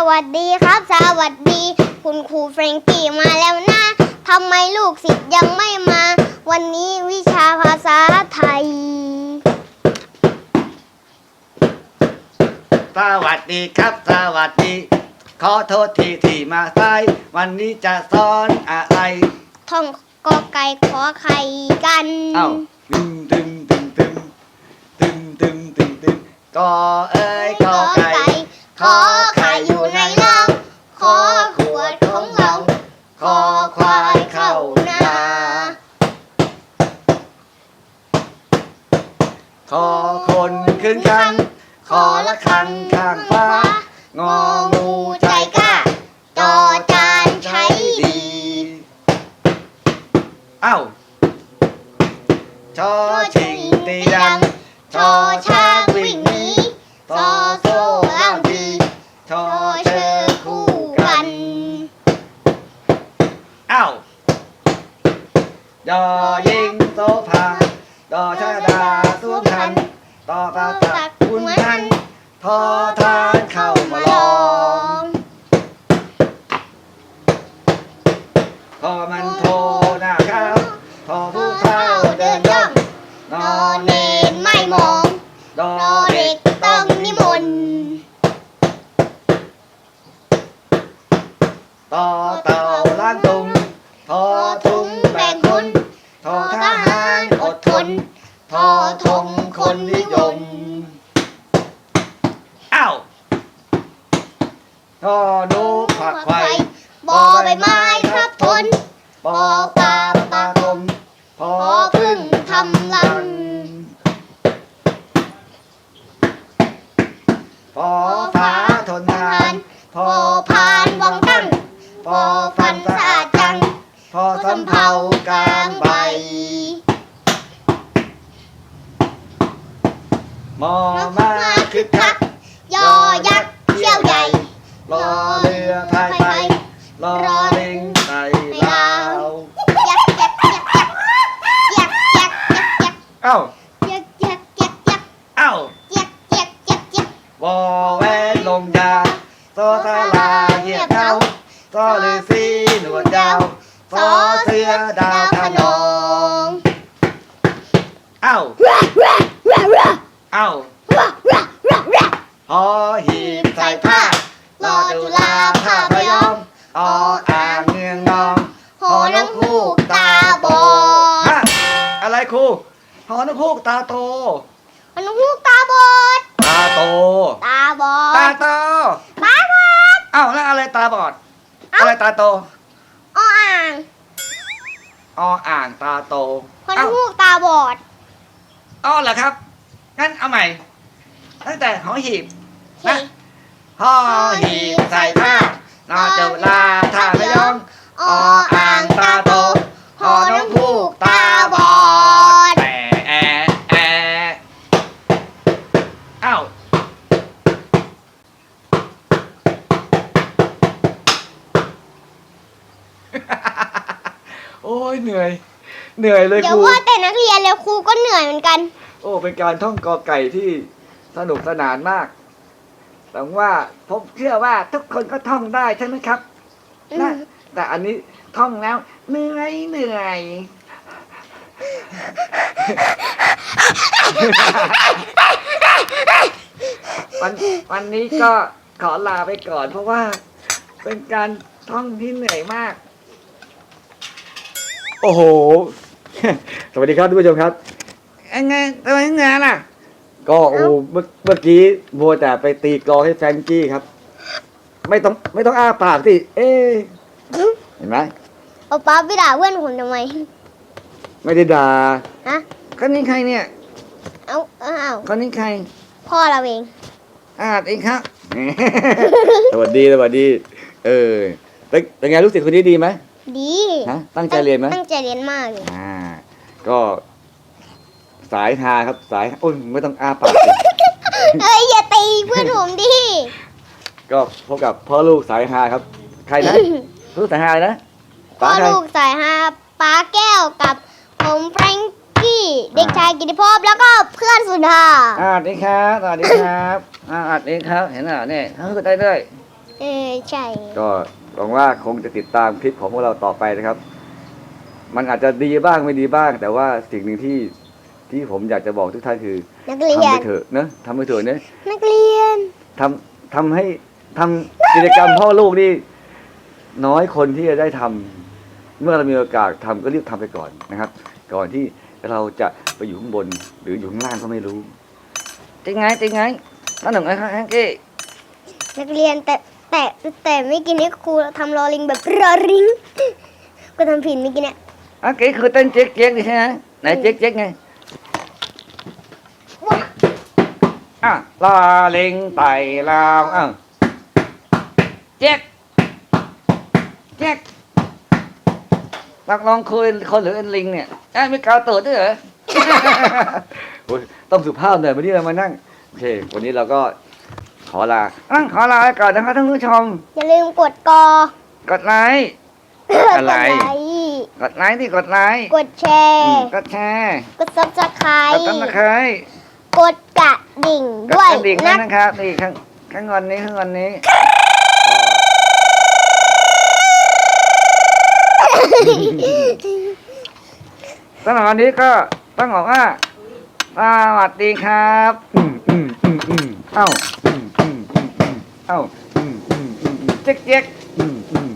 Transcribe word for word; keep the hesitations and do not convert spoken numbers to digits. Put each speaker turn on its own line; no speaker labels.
วัสดีครับสวัสดีคุณครูเฟรงกี้มาแล้วนะทำไมลูกศิษย์ยังไม่มาวันนี้วิชาภาษาไทย
สวัสดีครับสวัสดีขอโทษทีที่มาสายวันนี้จะสอนอะไร
ท่องกอไก่ขอไข่กัน
เอ้าตึมตึมตึมตึมตึมตึมตึมตึมกอเอ้ยกอไก่ขอไข่อยู่ในเล้าขอขวดของเราขอควายเข้านาขอคนขึ้นคันขอละคังข้างฟ้างองูใจกล้าจอจานใช้ดีเอ้าชอชิงตีดังชอช้างวิ่งหนีซอโซ่ล่างทีชอเชอคู่กันเอ้ายอยิงโซภาดอชาดาสวมทันต่อปาตักคุณทันทอทานเข้ามาลองพอมันโทหน้าข้าวพอผู้เข้าเดินย่องนอเนนไม่มองดอเด็กต้องนิมนต์ต่อเต่าล้านตุงทอทุงแบ่งคนทอทหารอดทนทอทงคนนิยมอ้าวทอนูผักไข่บอใบไม้ทับทนปอปลาปลากลมพอพึ่งทำรังพอฟ้าทนทานพอพานวังตั้งพอฟันสะอาดจังพอสำเภากลางใบมอมาคึกคักยอยักษ์เที่ยวใหญ่รอเรือพายไปรอลิงไต่ลาวยักษ์ยักษ์ยักษ์ยักษ์ยักษ์ยักษ์ยักษ์ยักษ์เอ้ายักษ์ยักษ์ยักษ์ยักษ์เอ้ายักษ์ยักษ์ยักษ์ยักษ์วอแหวนลงยาโซตาลาเหยียบเท้าซอฤาษีหนวดยาวซอเสือดาวขนองเอ้าเอ้าหอหีบใส่ผ้ารอจุฬาผ้าพยอมออ่างเมืองนองหอน้ำฮูกตาบอดอะไรครูหอน้ำฮูกตาโต
หอน้ำฮูกตาบอด
ตาโต
ตาบอด
ตาโต
ตาบอด
เอ้าแล้วอะไรตาบอดอะไรตาโต
ออ่าง
ออ่างตาโต
หอน้ำฮูกตาบอด
อ๋อเหรอครับงั้นเอาใหม่ตั้งแต่หอหีบนะหอหีบใส่ผ้านอจุฬาท่าพยองออ่างตาโตหอน้ำฮูกตาบอดแอะแอะแอะเอ้าโอ้ยเหนื่อยเหนื่อยเลยครู
เดี๋ยวว่าแต่นักเรียนแล้วครูก็เหนื่อยเหมือนกัน
โอ้เป็นการท่องกอไก่ที่สนุกสนานมากแต่ว่าผมเชื่อว่าทุกคนก็ท่องได้ใช่ไหมครับนะแต่อันนี้ท่องแล้วเหนื่อยเหนื่อยวันวันนี้ก็ขอลาไปก่อนเพราะว่าเป็นการท่องที่เหนื่อยมากโอ้โหสวัสดีครับทุกผู้ชมครับยังไงทำไมงานล่ะก็โอ้เมื่อเมื่อกี้โมแต่ไปตีกลองให้แฟรงกี้ครับไม่ต้องไม่ต้องอ้าปากสิเอ๊เห็นไหม
เอาป๊าไปด่าเพื่อนผมทำไม
ไม่ได้ด่า
ฮะ
คนนี้ใครเนี่ย
เอาเอา
คนนี้ใคร
พ่อเราเอง
อ่าเองครับ สวัสดีสวัสดีเออเป็นเป็นไงลูกศิษย์คนนี้ดีไหม
ดี
ฮะตั้งใจเรียนไหม
ตั้งใจเรียนมากเลย
อ่าก็สายฮาครับสายโอ้ยไม่ต้องอ้าปาก
เอ้ยอย่าตีเพื่อนผมดิ
ก็พบกับพ่อลูกสายฮาครับใครนะลูกสายฮานะ
พ่อลูกสายฮาป้าแก้วกับผมแฟรงกี้เด็กชายกิติภพแล้วก็เพื่อนสุดา
อ่าสวัสดีครับสวัสดีครับอ่าสวัสดีครับเห็นเหรอเนี่ยเขาก็ได้ด้วย
เออใช่
ก็หวังว่าคงจะติดตามคลิปของพวกเราต่อไปนะครับ มันอาจจะดีบ้างไม่ดีบ้าง แต่ว่าสิ่งหนึ่งที่ที่ผมอยากจะบอกทุกท่านคือ
นักเรีย
ทำไป
น
เถอะนะทำไปเถอะนะ
นักเรียน
ทำทำให้ทำกิจกรรมพ่อลูกนี่น้อยคนที่จะได้ทำเมื่อเรามีโอกาสทำก็รีบทำไปก่อนนะครับ ก่อนที่เราจะไปอยู่ข้างบน หรืออยู่ข้างล่างก็ไม่รู้จริงไงจริงไงนั่นหนึ่งไอ้ข้างแฮงกี้
นักเรียนแต่แต่แต่ไม่กินนี่ครูทำรอลิงแบบรอริงก็ทำผิดไม่กินเนี่ย
อ่ะกี้คือเต้นเจ๊กเจ๊กดิใช่ไหมไหนเจ๊กเจ๊กไงอ่ะลาเล็งไต่ลาวอ่ะเจ๊กเจ๊กนักร้องคุยคนหรือเอ็นลิงเนี่ยอ่ะมีกาวตูดด้วยเหรอ โอ้ยต้องสุภาพหน่อยวันนี้เรามานั่งโอเควันนี้เราก็ขอลาอ่ะขอลาไปก่อนนะครับท่านผู้ชม
อย่าลืมกดกอก
ดไลค์อะไร
กดไลค์
กดไลค์ที่กดไลค์
กดแช
อืม
ร์
กดแชร์
กดซับสไคร
กด
ต์
ตั้งตะไคร้
กดกระดิ่ง
กด
ด้วย
กระดิ่งด้ว
นะ
ยนะครับนี่ข้างข้างวันนี้ข้างวันนี้สำหรับวันนี้ก็ต้องบอกว่าสวัสดีครับอืมอืมอืมอืมเอ้าอืมอืมอืมอืมเอ้าอืมอืมอืมอืมเจ๊กเจ๊กอืมอืม